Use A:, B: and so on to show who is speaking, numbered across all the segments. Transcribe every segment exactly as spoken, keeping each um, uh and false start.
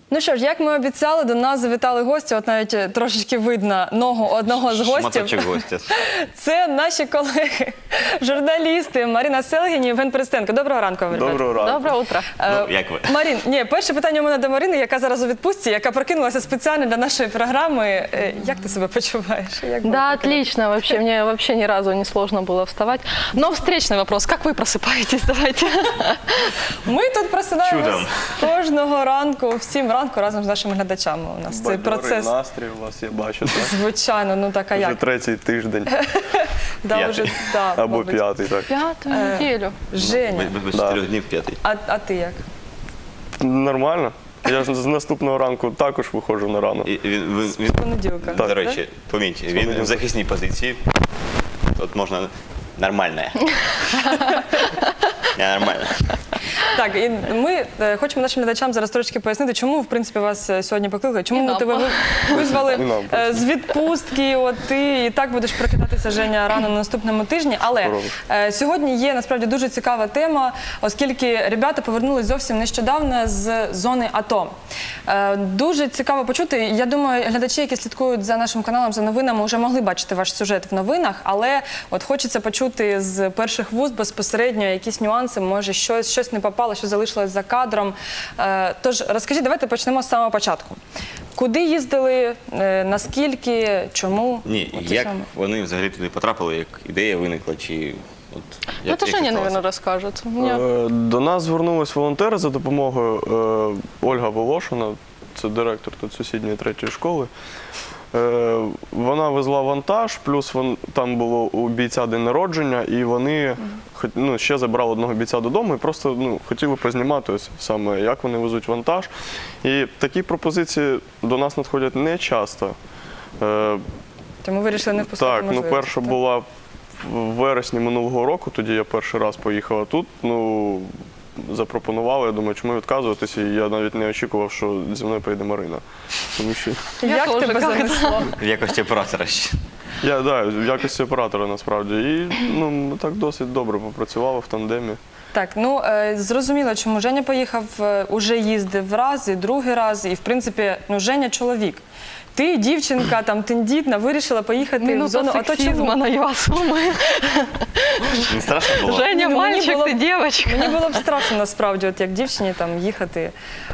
A: Ну що ж, як ми обіцяли, до нас завітали гості, от навіть трошечки видно ногу одного з гостів.
B: Шматочок гостя.
A: Це наші колеги, журналісти Марина Селгін і Євген Перестенко. Доброго ранку, ребята.
C: Доброго ранку.
D: Доброе утро.
B: Ну, як ви?
A: Марин, ні, перше питання у мене до Марини, яка зараз у відпустці, яка прокинулася спеціально для нашої програми. Як ти себе почуваєш? Як
D: Да, отлично. Вообще, мне вообще ни разу не сложно было вставать. Но встречный вопрос. Как вы просыпаетесь? Давайте.
A: Ми тут просинаємось
B: Чудом.
A: кожного ранку, всім ранку разом з нашими глядачами. У нас цей
C: Бадьорий
A: процес.
C: настрій у вас, я бачу. Так?
A: Звичайно, ну так, а
C: Вже
A: як?
C: третій тиждень.
A: Да,
B: П'ятий.
A: вже, да,
C: Або
A: мабуть.
C: п'ятий, так.
D: Пятую неделю.
A: Женя,
B: Без- Без
C: Да.
B: чотирьох днів п'ятий.
A: а, а ти як?
C: Нормально. Я ж з наступного ранку також виходжу на рано.
B: І він, він, він,
A: Понеділка.
B: до речі, поміть, він в захисній позиції. Тут можна нормально. Я нормально.
A: Так, і ми е, хочемо нашим глядачам зараз трошки пояснити, чому, в принципі, вас е, сьогодні покликали,
D: І
A: чому ми
D: нам.
A: тебе ви- визвали
C: І нам.
A: е, з відпустки, от ти і так будеш прокидатися, Женя, рано на наступному тижні. Але
C: Здорово.
A: е, сьогодні є, насправді, дуже цікава тема, оскільки ребята повернулись зовсім нещодавно з зони АТО. Е, Дуже цікаво почути. Я думаю, глядачі, які слідкують за нашим каналом, за новинами, вже могли бачити ваш сюжет в новинах, але от хочеться почути з перших вуст безпосередньо якісь нюанси, може щось, щось не попало, що залишилось за кадром. Е, Тож розкажіть, давайте почнемо з самого початку. Куди їздили, е, наскільки, чому?
B: Ні,
A: От це
B: як
A: саме.
B: вони взагалі туди потрапили, як ідея виникла, чи от
D: Ну,
B: як,
D: это
B: як
D: Женя,
B: це
D: наверное,
B: сталося?
D: расскажет. У меня-
C: Е, До нас звернулись волонтери за допомогою е, Ольга Волошина, це директор тут сусідньої третьої школи. Е, Вона везла вантаж, плюс вон, там було у бійця день народження, і вони хот- ну, ще забрали одного бійця додому і просто ну, хотіли познімати ось саме, як вони везуть вантаж. І такі пропозиції до нас надходять не часто. Е,
A: Тому вирішили не впускати
C: Так, ну
A: можливості,
C: перша
A: так?
C: була в вересні минулого року, тоді я перший раз поїхала тут. Ну, запропонували, я думаю, чому відказуватися, і я навіть не очікував, що зі мною поїде Марина. Тому що
D: Я
A: Як
D: тоже
A: тебе
D: как-то.
A: занесло?
B: В якості оператора ще.
C: я да, в якості оператора насправді. І ну, ми так досить добре попрацювали в тандемі.
A: Так, ну е, зрозуміло, чому Женя поїхав, е, уже їздив раз і другий раз, і в принципі, ну Женя чоловік. Ти, дівчинка, там тендітна, вирішила поїхати в
D: Минута
A: зону АТО.
D: сексизма
A: Чому?
D: на Ясумы.
B: Не страшно було?
D: Женя,
A: Ну, мне
D: мальчик,
A: было-
D: ты девочка.
A: Мені було б страшно насправді, от як дівчині там їхати.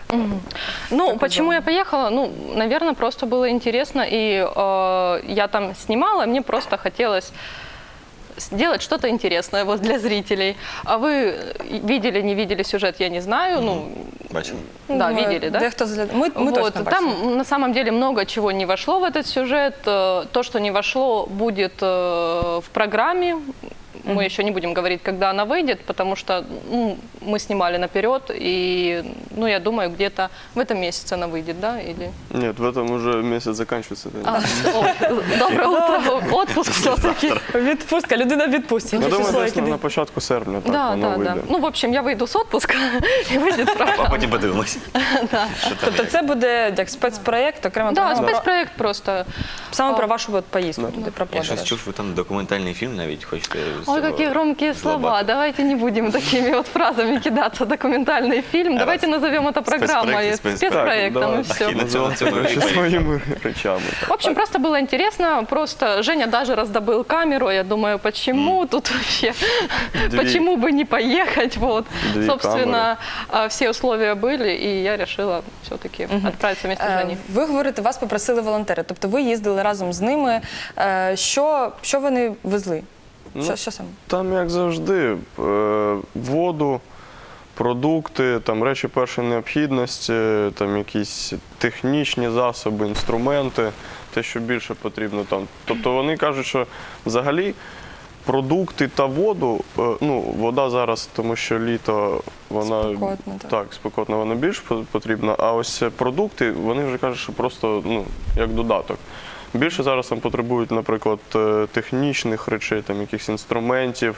D: Ну, почему я поехала? Ну, наверное, просто было интересно, и э, я там снимала, мне просто хотелось сделать что-то интересное вот для зрителей. А вы видели, не видели сюжет, я не знаю. Ну,
B: Бачимо.
D: да,
A: Думаю,
D: видели, да?
A: Дехто згляд... Ми, ми
D: Вот,
A: точно бачимо.
D: там на самом деле много чего не вошло в этот сюжет. Э, То, что не вошло, будет э, в программе. Мы еще не будем говорить, когда она выйдет, потому что ну, мы снимали наперед, и ну, я думаю, где-то в этом месяце она выйдет, да? Или...
C: Ні, в этом уже місяць закінчується.
D: А, о, доброе утро, отпуск все-таки.
A: Відпустка, людина в відпустці.
C: Я
A: Яке
C: думаю,
A: число,
C: десь
A: яке
C: на,
A: день?
C: на початку серпня так
D: Да,
C: воно
D: да,
C: вийде.
D: да. Ну, в общем, я выйду с отпуска, и выйдет
B: А
D: программа.
B: потім подивимось. Що там,
A: Тобто
B: як.
A: це буде як спецпроєкт, окремо
D: Да,
A: програма,
D: спецпроект просто.
A: саме про вашу от поїздку, туди про
B: Я щось
A: подорож.
B: чув, ви там документальний фільм навіть хочете. з
D: Ой,
B: цього
D: какие громкие слова.
B: злобати.
D: Давайте не будем такими вот фразами кидаться. Документальный фильм. Давайте назовем это программой,
B: Спецпроект, спецпроект.
D: спецпроектом, и
C: Так,
D: все.
B: І на цьому на цьому і
C: Ще
B: поїхали.
C: своїми речами. так.
D: В общем, просто было интересно. Просто Женя даже раздобыл камеру. Я думаю, почему тут вообще,
C: Две.
D: почему бы не поехать? Вот.
C: Две
D: Собственно, а, все условия были, и я решила все-таки отправиться вместе с
A: Е,
D: Женей.
A: Ви говорите, вас попросили волонтери, тобто ви їздили разом з ними. Е, Що, що вони везли?
C: Ну,
A: Що, що саме?
C: Там, як завжди, е, воду, продукти, там речі першої необхідності, там якісь технічні засоби, інструменти, те, що більше потрібно там. Тобто вони кажуть, що взагалі продукти та воду, е, ну, вода зараз, тому що літо, вона
A: Спекотно, так.
C: так, спекотно, вона більш по- потрібна, а ось продукти, вони вже кажуть, що просто ну, як додаток. Більше зараз там потребують, наприклад, е, технічних речей, там якихось інструментів,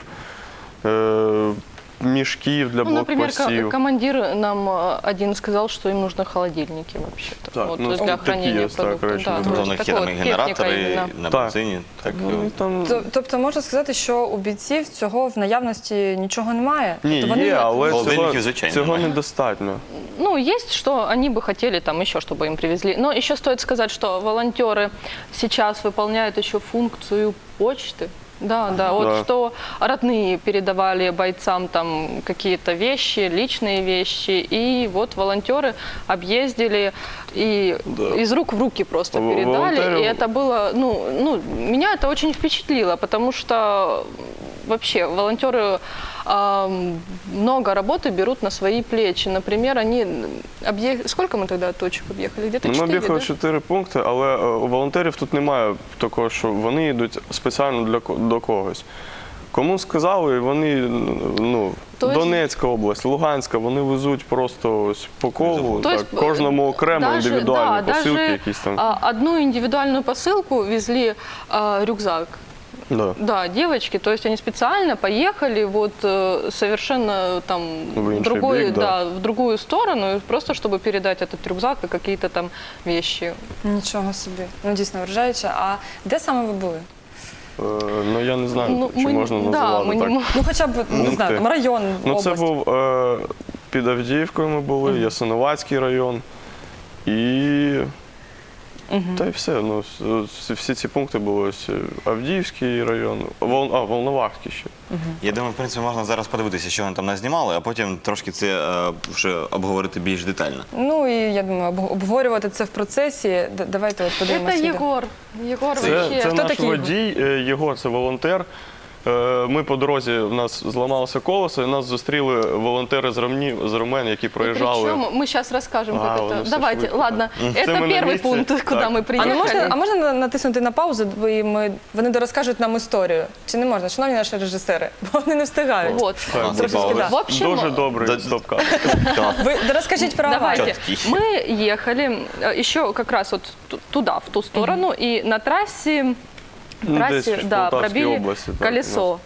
C: е, мішків для
D: Ну, например, ко-
C: блокпостів.
D: командир нам э, один сказал, что им нужны холодильники вообще-то.
C: Так,
D: вот,
C: ну,
D: для
C: такі
D: хранения
C: є, так,
D: продуктов.
C: речі,
D: Да,
C: можна.
D: то
B: Тобто
D: есть
B: у них є
D: такое
B: там і
D: вот техника
B: генератори
D: именно.
B: на
C: Так.
B: бензині. Так,
C: Ну, там...
A: Т- Тобто можна сказати, що у бійців цього в наявності нічого немає?
C: Ні,
A: Тобто вони
C: є, але
B: Холодильників,
C: цього,
B: звичайно,
C: цього
B: немає.
C: недостатньо.
D: ну, есть, что они бы хотели там еще, чтобы им привезли. Но еще стоит сказать, что волонтеры сейчас выполняют еще функцию почты. Да, да, вот
C: Да.
D: что родные передавали бойцам там какие-то вещи, личные вещи, и вот волонтеры объездили и
C: Да.
D: из рук в руки просто
C: Во-
D: передали,
C: волонтеры-
D: и это было, ну, ну, меня это очень впечатлило, потому что вообще волонтеры а, много работы берут на свои плечи. Например, они объехали, сколько мы тогда точек объехали? Где-то
C: Ми
D: четыре,
C: об'їхали
D: да?
C: чотири пункти, але е, у волонтерів тут немає такого, що вони йдуть спеціально для ко- до когось. Кому сказали, вони, ну,
D: То есть-
C: Донецька область, Луганська, вони везуть просто ось по колу,
D: То
C: так,
D: есть,
C: кожному окремо
D: даже-
C: індивідуальні
D: да,
C: посилки
D: даже,
C: якісь там.
D: а, одну индивидуальную посылку везли а, рюкзак.
C: Да.
D: Да, девочки, то есть они специально поехали вот э, совершенно там
C: В
D: в,
C: інший
D: другой,
C: бік, да.
D: да, в другую сторону, просто чтобы передать этот рюкзак и какие-то там вещи.
A: Нічого собі. Ну дійсно вражаюче. А де саме ви були?
C: Е, Ну я не знаю,
D: Ну,
C: чи
D: мы-
C: можна
D: да,
C: називати
D: мы не
C: так.
D: мо-
A: Ну хоча б не
C: Пункти.
A: знаю, там район,
C: Ну
A: область.
C: це був е, під Авдіївкою ми були, Ясиновацький район і. Та й все. Ну, с- всі ці пункти були ось Авдіївський район, Вол, а, Волновахський ще.
B: Я думаю, в принципі, можна зараз подивитися, що вони там назнімали, а потім трошки це е, вже обговорити більш детально.
A: Ну і я думаю, об- обговорювати це в процесі. Д- Давайте от подивимося.
D: Это
A: відео.
D: Егор. Егор
C: Це,
D: вообще.
C: це
A: Хто
C: наш
A: такий?
C: водій, е, Єгор, це волонтер. Е, Ми по дорозі, в нас зламалося колесо, і нас зустріли волонтери з Ромні, з Ромен, які проїжджали.
D: Причем мы сейчас расскажем,
C: А,
D: как
C: воно
D: это.
C: все
D: Давайте,
C: швидко,
D: ладно.
C: так. Це
D: Это
C: ми на
D: первый
C: місці.
D: пункт, куда
C: Так.
D: мы
A: А
D: приехали.
A: не можна, а можна на- натиснути на паузу, бо і ми, вони дорозкажуть нам історію? Чи не можна? Шановні наші режисери, бо вони не встигають.
D: Вот.
C: Так,
A: Трошечки,
B: пауза.
A: да.
D: В общем,
C: Дуже добрий
B: Да-
C: стоп-кадр.
A: Ви розкажіть про аварію.
D: Давайте.
B: Чёткий.
D: Мы ехали э, еще как раз вот ту- туда, в ту сторону, и на трассе,
C: Ну,
D: трассе
C: десь в
D: да,
C: Полтавській
D: пробили
C: області, так,
D: колесо.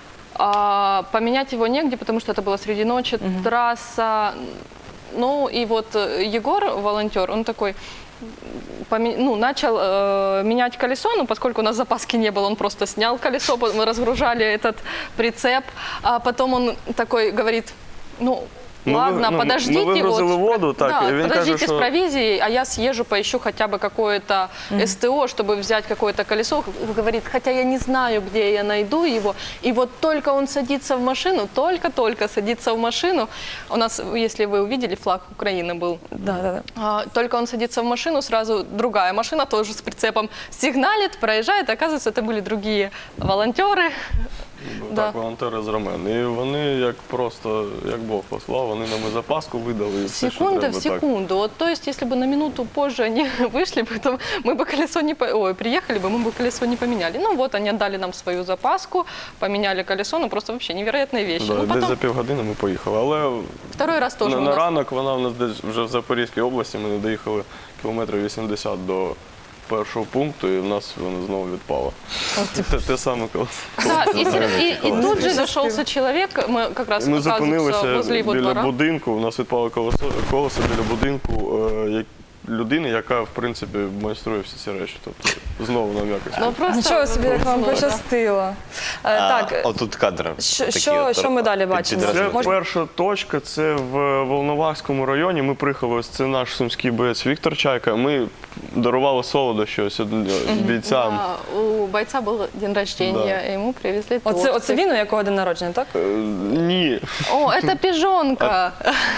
D: А, поменять его негде, потому что это было среди ночи, трасса. Ну и вот э, Егор, волонтер, он такой, поме- ну, начал э, менять колесо, но поскольку у нас запаски не было, он просто снял колесо, по- мы разгружали этот прицеп, а потом он такой говорит, ну,
C: Ми ви-
D: ладно,
C: ну, ми
D: подождите,
C: вигрузили
D: вот,
C: воду, так,
D: да,
C: і він
D: подождите
C: каже,
D: с
C: що-
D: провизией, а я съезжу, поищу хотя бы какое-то СТО, чтобы взять какое-то колесо. Говорит, хотя я не знаю, где я найду его. И вот только он садится в машину, только-только садится в машину. У нас, если вы увидели, флаг Украины был.
A: Да, да, да.
D: А, Только он садится в машину, сразу другая машина тоже с прицепом сигналит, проезжает. Оказывается, это были другие волонтеры. Да.
C: Так, волонтери з Ромен. І вони як просто, як Бог послав, вони нам і запаску видали. І все, що
D: Секунда
C: треба,
D: в
C: так.
D: секунду. Вот, то есть, если бы на минуту позже они вышли бы, то мы бы колесо не... по- Ой, приехали бы, мы бы колесо не поменяли. Ну вот, они отдали нам свою запаску, поменяли колесо, ну просто вообще невероятные вещи.
C: Да,
D: Ну,
C: десь за
D: потом
C: півгодини ми поїхали. Але
D: второй раз тоже
C: на,
D: у
C: на
D: нас.
C: ранок вона в нас десь вже в Запорізькій області, ми не доїхали кілометрів вісімдесят до першого пункту, і в нас воно знову відпало. Те, те саме колесо.
D: Да, и, и- и
C: Колесо.
D: тут же зашелся человек, мы как раз
C: Ми
D: оказывается
C: зупинилися
D: возле его
C: біля
D: двора.
C: будинку, у нас відпало колесо, колесо біля будинку е, як- людини, яка, в принципі, майструє всі ці речі. Тобто, знову нам якось.
D: Ну, просто
A: Нічого собі, як вам
D: повезло, да.
A: пощастило. Е,
B: А,
A: Так,
B: отут кадр.
A: що-
B: такий
A: що-
B: от,
A: що ми далі
B: під-
A: бачимо?
B: підразили.
C: Це
A: Можна-
C: перша точка, це в Волновахському районі. Ми приїхали, ось це наш сумський боєць Віктор Чайка. Ми дарували солодощі ось бійцям.
D: Да, у бойца был день рождения, и ему привезли торт.
A: оце, оце він, у якого день народження, так?
C: Е, Ні.
D: О, это пижонка.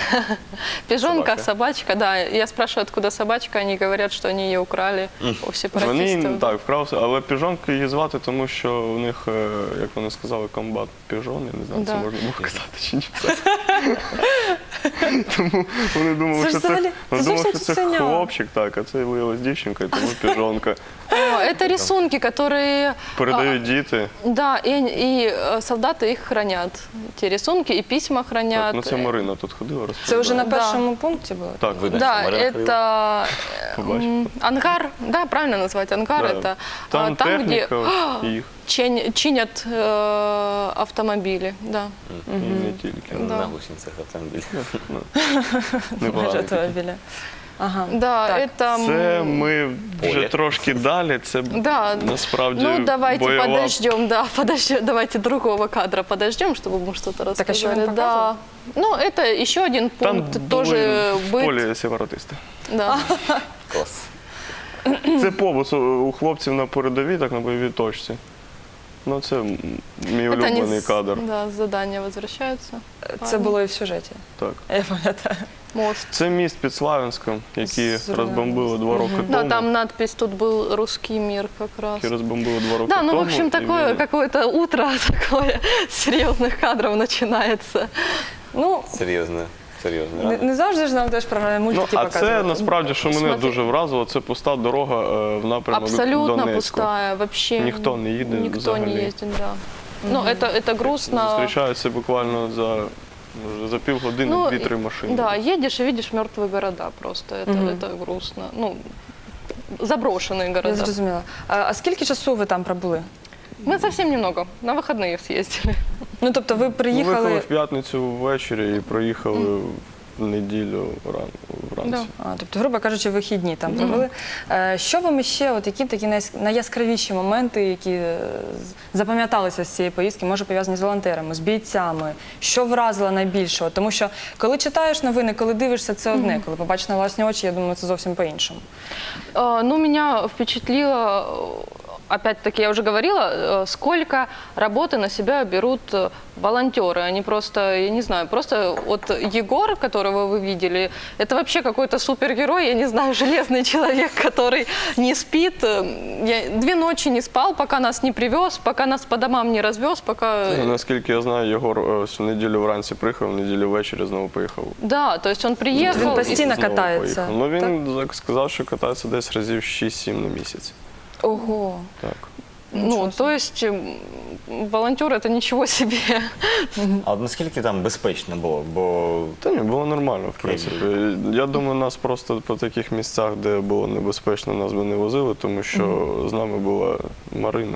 D: Пижонка,
C: Собака.
D: собачка, да. Я спрашиваю, откуда собачка, они говорят, что они ее украли у
C: Вони
D: сепаратистов.
C: так вкрався, але піжонки її звати, тому що у них, е, як вони сказали, комбат піжон. Я не знаю, це
D: Да.
C: можна було казати чи ні. Тому вони думали,
A: Це ж
C: що це,
A: взагалі-
C: вони
A: це
C: думали,
A: зовсім
C: що це
A: цуценя.
C: хлопчик, так, а це виявилась дівчинка, і тому піжонка.
D: О, это рисунки, которые...
C: Передають діти.
D: Да, и, и э, солдаты их хранят. Те рисунки и письма
C: Так,
D: хранят.
C: ну це Марина тут ходила, розповідала.
A: Це вже на
D: Да.
A: першому пункті було?
C: Так,
B: Видно,
D: Да,
B: що Марина ходила.
D: это
C: Побачив.
D: м, ангар, да, правильно назвать ангар,
C: Да.
D: это
C: Там,
D: а, там, где
C: техніка ось їх,
D: чин- чинят э, автомобили, да.
C: і не тільки.
D: Да.
B: На гусеницях автомобіль.
C: Непогано.
A: Майже автомобіля. Ага.
D: Да,
A: Так.
D: это...
C: Це ми вже
B: Поле.
C: трошки далі. Це
D: Да.
C: насправді
D: Ну, давайте
C: бойова.
D: подождем, да, подождем, давайте другого кадра подождем, чтобы мы что-то рассказали.
A: Так, а что он
D: да. Ну, это еще один
C: Там
D: пункт,
C: були
D: тоже
C: в
D: быть.
C: полі сепаратисти.
D: Да.
B: Клас.
C: Це побут у хлопців на передовій, так на бойовій точці. Ну, це м- мій
D: Это они
C: улюблений
D: с-
C: кадр.
D: Да, с задания возвращаются.
A: Це було і в сюжеті.
C: Так.
A: Я пам'ятаю.
D: Мост.
C: Це міст під Славянськом, який
A: Зрозуміло.
C: розбомбили два роки
D: Да,
C: тому.
D: там надпись, тут был русский мир как раз.
C: Який розбомбили два роки
D: Да,
C: тому.
D: ну, в общем,
C: і
D: такое
C: він-
D: какое-то утро такое серьезных кадров начинается.
A: Ну,
B: Серйозно. Серйозно.
A: не, не завжди ж нам теж програми
C: Ну,
A: мультики
C: а
A: показують.
C: це насправді, що мене
D: Смотри.
C: дуже вразило, це пуста дорога е, в напрямок
D: Абсолютно
C: Донецьку.
D: пустая, вообще.
C: Никто не едет
D: Никто
C: взагалі.
D: не ездит, да. Ну, это, это грустно.
C: Зустрічаються буквально за, може, за півгодини
D: Ну,
C: дві-три машини.
D: Да, едешь и видишь мертвые города просто. Это,
A: Мгм.
D: это грустно. Ну, заброшенные
A: Я
D: города.
A: зрозуміла. А, а скільки часу ви там пробули?
D: Мы совсем немного. На выходные съездили.
A: Ну, тобто ви
C: Ми виїхали
A: приїхали...
C: в п'ятницю ввечері і проїхали в неділю ран, вранці.
A: А, тобто, грубо кажучи, вихідні там провели. Е, Що вам ще, от які такі найяс- найяскравіші моменти, які е, з- запам'яталися з цієї поїздки, може пов'язані з волонтерами, з бійцями? Що вразило найбільше? От Тому що коли читаєш новини, коли дивишся, це одне. Коли побачиш на власні очі, я думаю, це зовсім по-іншому.
D: А, Ну, меня впечатлило, опять-таки, я уже говорила, э, сколько работы на себя берут э, волонтеры. Они просто, я не знаю, просто вот Егор, которого вы видели, это вообще какой-то супергерой, я не знаю, железный человек, который не спит. Э, Я две ночи не спал, пока нас не привез, пока нас по домам не развез, пока...
C: Ну, наскільки я знаю, Єгор е, ось в неділю вранці приїхав, в неділю ввечері знову поїхав.
D: Да, то есть он приехал...
A: Він
D: и-
A: постійно
C: Знову
A: катається.
C: поїхав. Ну він так сказав, що катається десь разів шість-сім на місяць.
A: Ого.
C: Так.
D: Ну, то есть м, волонтер это ничего себе.
B: А от наскільки там безпечно було? Бо
C: Та ні, було нормально, в принципі. Я думаю, нас просто по таких місцях, де було небезпечно, нас би не возили, тому що з нами була Марина.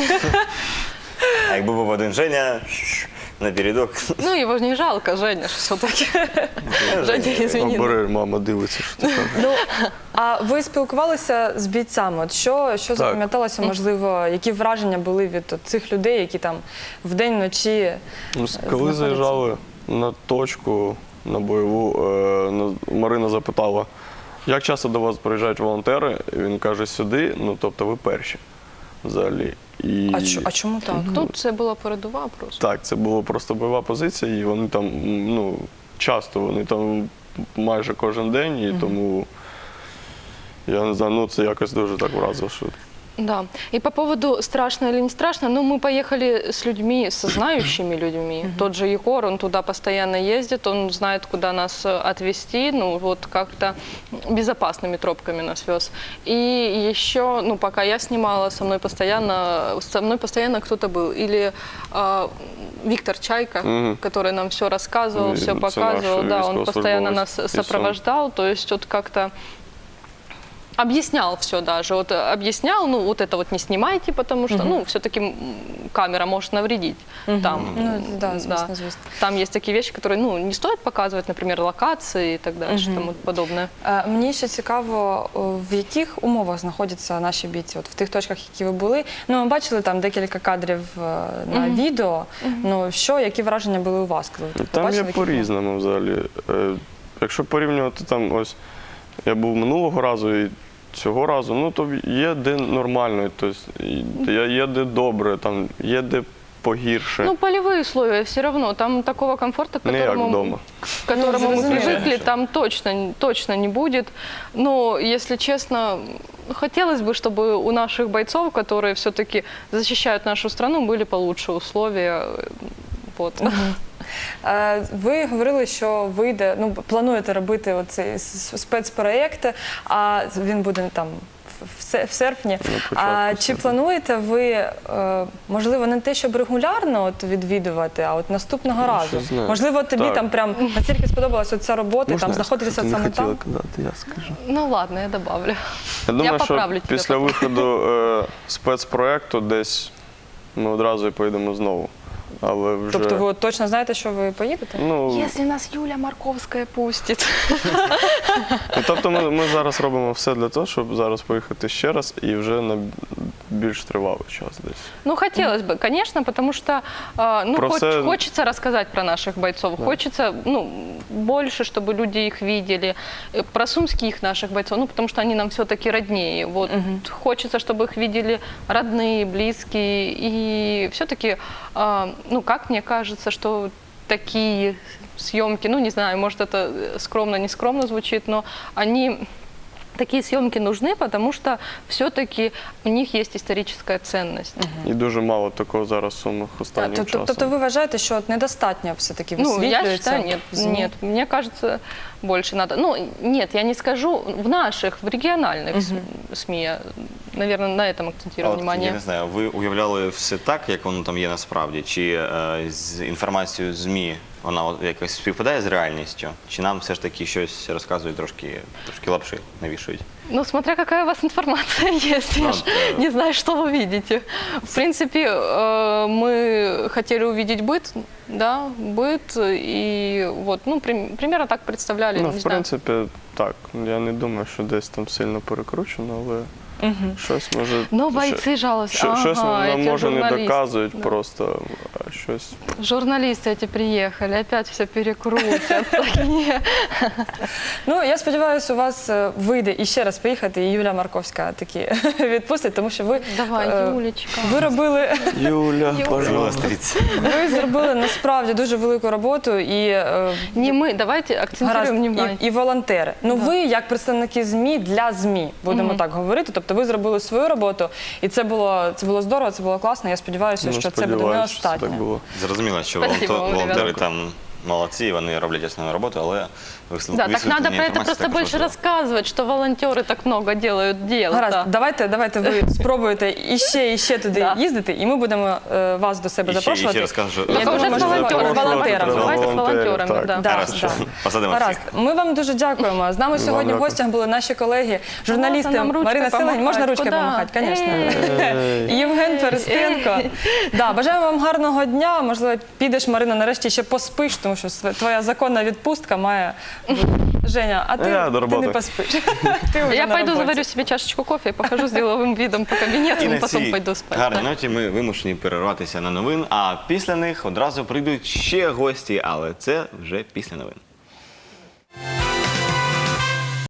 B: а якби був один Женя напередок.
D: Ну, его же не жалко, Женя все-таки. Женя, извини.
C: Обери, мама дивиться, що ти кажеш.
A: Ну, а ви спілкувалися з бійцями? От що, що запам'яталося, можливо, які враження були від от цих людей, які там вдень, вночі?
C: Ну, с- Коли
A: знаходяться?
C: заїжджали на точку, на бойову, е, на- Марина запитала, як часто до вас приїжджають волонтери? І він каже, сюди, ну тобто ви перші взагалі. І...
A: А, чо- а чому так?
D: Тут це була передова просто.
C: Так, це була просто бойова позиція, і вони там, м, ну, часто, вони там майже кожен день, і тому, я не знаю, ну це якось дуже так вразило, що
D: Да. И по поводу страшно или не страшно, ну, мы поехали с людьми, со знающими людьми. Тот же Егор, он туда постоянно ездит, он знает, куда нас э, отвезти, ну, вот как-то безопасными тропками нас вез. И еще, ну, пока я снимала, со мной постоянно, со мной постоянно кто-то был. Или а, Виктор Чайка,
C: Мгм.
D: который нам все рассказывал,
C: И
D: все
C: это
D: показывал.
C: наш
D: Да, он постоянно
C: військовослужбовець
D: нас
C: із Сум.
D: сопровождал, то есть вот как-то объяснял все даже, вот э, объяснял, ну вот это вот не снимайте, потому что, ну, все-таки камера может навредить. Там,
A: Ну, да,
D: м,
A: звісно, звісно.
D: Там есть такие вещи, которые, ну, не стоит показывать, например, локации и так дальше, тому подобное.
A: Е, Мені ще цікаво, о, в яких умовах знаходяться наші бійці, от в тих точках, які ви були. Ну, ми бачили там декілька кадрів е, на відео. Ну, що, які враження були у вас, коли ви
C: там
A: побачили,
C: є
A: в яких умовах?
C: по-різному взагалі. Е, Якщо порівнювати там, ось я був минулого разу і цього разу, ну то є де нормально, тобто є є де добре, там є де погірше.
D: Ну, полевые условия все равно, там такого комфорта, к
C: Не як
D: которому,
C: вдома.
D: к которому
A: Ну,
D: мы
A: зрозуміло.
D: привыкли, там точно, точно не будет. Но, если честно, хотелось бы, чтобы у наших бойцов, которые все-таки защищают нашу страну, были получше условия. Вот.
A: Е, Ви говорили, що вийде, ну, плануєте робити оцей с- спецпроєкт, а він буде там в- в се- в серпні.
C: початку
A: А чи
C: серпня.
A: плануєте ви, е, можливо, не те, щоб регулярно от відвідувати, а от наступного разу?
C: що знаю.
A: Можливо, тобі
C: Так.
A: там прям настільки сподобалась оця робота, там знаходитися
C: ти не
A: саме
C: хотіла
A: там?
C: казати, я скажу.
D: Ну ладно, я добавлю.
C: Я думаю, що
D: поправлю тебе
C: після
D: потім.
C: виходу е, спецпроекту десь ми одразу і поїдемо знову. Але вже...
A: Тобто ви от точно знаєте, що ви поїдете?
C: Ну,
D: Если нас Юля Марковская пустит.
C: ну, тобто ми, ми зараз робимо все для того, щоб зараз поїхати ще раз і вже на більш тривалий час десь.
D: Ну, хотелось бы, конечно, потому что а, ну,
C: Про
D: хоч-
C: все-
D: хочется рассказать про наших бойцов, хочется ну, больше, чтобы люди их видели, э, про сумских наших бойцов, ну, потому что они нам все-таки роднее. Вот. Хочется, чтобы их видели родные, близкие, и все-таки, а, ну, как мне кажется, что такие съемки, ну, не знаю, может, это скромно, не скромно звучит, но они... Такие съемки нужны, потому что все-таки у них есть историческая ценность.
C: І дуже мало такого зараз в Сумах останнім
A: Тобто,
C: часом.
A: тобто ви вважаєте, що от недостатньо все-таки
D: Ну, я
A: висвітлюється?
D: считаю, нет,
A: в ЗМІ?
D: нет. Мне кажется, больше надо. Ну, нет, я не скажу в наших, в региональных с- СМИ. Я, наверное, на этом
B: А
D: акцентирую
B: от,
D: внимание.
B: я не знаю, ви уявляли все так, як воно там є насправді? Чи е, з інформацією ЗМІ вона от якось співпадає з реальністю? Чи нам все ж таки щось розказують трошки, трошки лапши навішують?
D: Ну, смотря какая у вас информация есть, я
B: Ну,
D: ж
B: да.
D: не знаю, что вы видите. В принципе, э, мы хотели увидеть быт, да, быт, и вот, ну, прим- примерно так представляли,
C: Ну,
D: не
C: в
D: знаю.
C: принципі, так. Я не думаю, що десь там сильно перекручено, але щось може...
D: Но
C: що-
D: бойцы жалуются.
C: що- щось
D: Ага,
C: нам
D: эти
C: може не
D: журналисты.
C: доказують
D: Да.
C: просто, а щось...
D: Журналисты эти приехали, опять все перекрутят. Такие.
A: Ну, я сподіваюся, у вас е, вийде і ще раз поїхати, і Юля Марковська таки відпустить, тому що ви,
D: Давай,
A: е,
D: Юлечка.
A: ви робили,
C: Юля,
B: Милостивіться.
A: ви зробили насправді дуже велику роботу і е,
D: Не мы, давайте акцентируем
A: гаразд,
D: внимание.
A: і, і волонтери. Ну, ви як представники ЗМІ для ЗМІ, будемо так говорити. Тобто ви зробили свою роботу, і це було, це було здорово, це було класно. Я сподіваюся,
C: Ну,
A: що це буде не
C: сподіваюсь, що це
A: останнє.
C: так було.
B: Зрозуміло, що
D: Спасибо
B: волонтер-
D: вам,
B: волонтери
D: ребята.
B: там молодці, вони роблять основну роботу, але висл-
D: Да, так надо
B: висвітлення
D: про это
B: інформації
D: просто
B: також
D: больше
B: важливо.
D: рассказывать, что волонтеры так много делают дел.
A: Гаразд,
D: да.
A: давайте, давайте ви спробуєте іще і ще туди
D: Да.
A: їздити, і ми будемо е, вас до себе
B: І ще, і
A: запрошувати.
B: ще розкажу, що
A: Я
D: Только
A: думаю,
D: уже с
A: можливо,
D: волонтерами.
A: з волонтерами.
D: Давайте с
C: Волонтерів,
D: волонтерами,
C: так.
D: да.
B: Гаразд, що посадимо
A: Гаразд.
B: всіх.
A: Ми вам дуже дякуємо. З нами сьогодні в
C: дякую.
A: гостях були наші колеги, журналісти
D: Можна нам ручкою
A: Марина Селень. Можна
D: помахати?
A: ручкою
D: Куда?
A: помахати, звісно.
C: Ей.
A: І Євген Перестенко. Да, бажаємо вам гарного дня. Можливо, підеш, Марина, нарешті ще поспиш, тому що св- твоя законна відпустка має бути. Женя, а ти,
C: Я до
A: ти
C: роботи.
A: не поспиш. Ти вже
D: Я
A: на
D: пойду
A: роботі.
D: заварю себе чашечку кофе и похожу с деловым видом по кабинету,
B: І
D: и
B: на
D: потом
B: цій
D: пойду спать.
B: гарній
D: да.
B: ноті ми вимушені перерватися на новин, а після них одразу прийдуть ще гості, але це вже після новин.